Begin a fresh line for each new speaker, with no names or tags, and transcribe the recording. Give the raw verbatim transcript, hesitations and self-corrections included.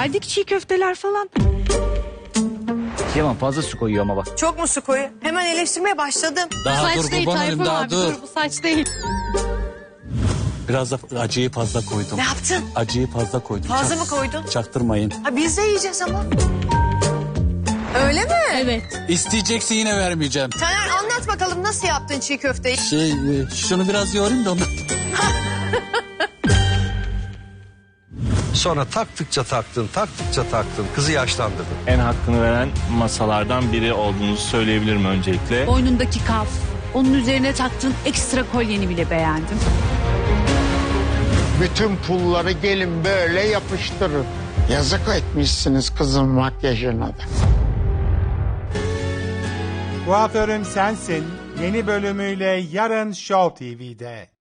Geldik çiğ köfteler falan.
Yaman fazla su koyuyor ama bak.
Çok mu su koyu? Hemen eleştirmeye başladım.
Daha
saç
dur
değil
kurban olayım,
Tayfun
daha
abi,
dur.
dur bu saç değil.
Biraz da acıyı fazla koydum.
Ne yaptın?
Acıyı fazla koydum.
Fazla
Çak-
mı koydun?
Çaktırmayın.
Ha, biz de yiyeceğiz ama. Öyle mi?
Evet.
İsteyeceksin yine vermeyeceğim.
Taner anlat bakalım nasıl yaptın çiğ köfteyi?
Şey, e, şunu biraz yoğurayım da onu.
Sonra taktıkça taktın, taktıkça taktın. Kızı yaşlandırdın.
En hakkını veren masalardan biri olduğunuzu söyleyebilirim öncelikle.
Boynundaki kaf, onun üzerine taktığın ekstra kolyeni bile beğendim.
Bütün pulları gelin böyle yapıştırın. Yazık etmişsiniz kızın makyajına da.
Kuaförüm Sensin yeni bölümüyle yarın Show T V'de.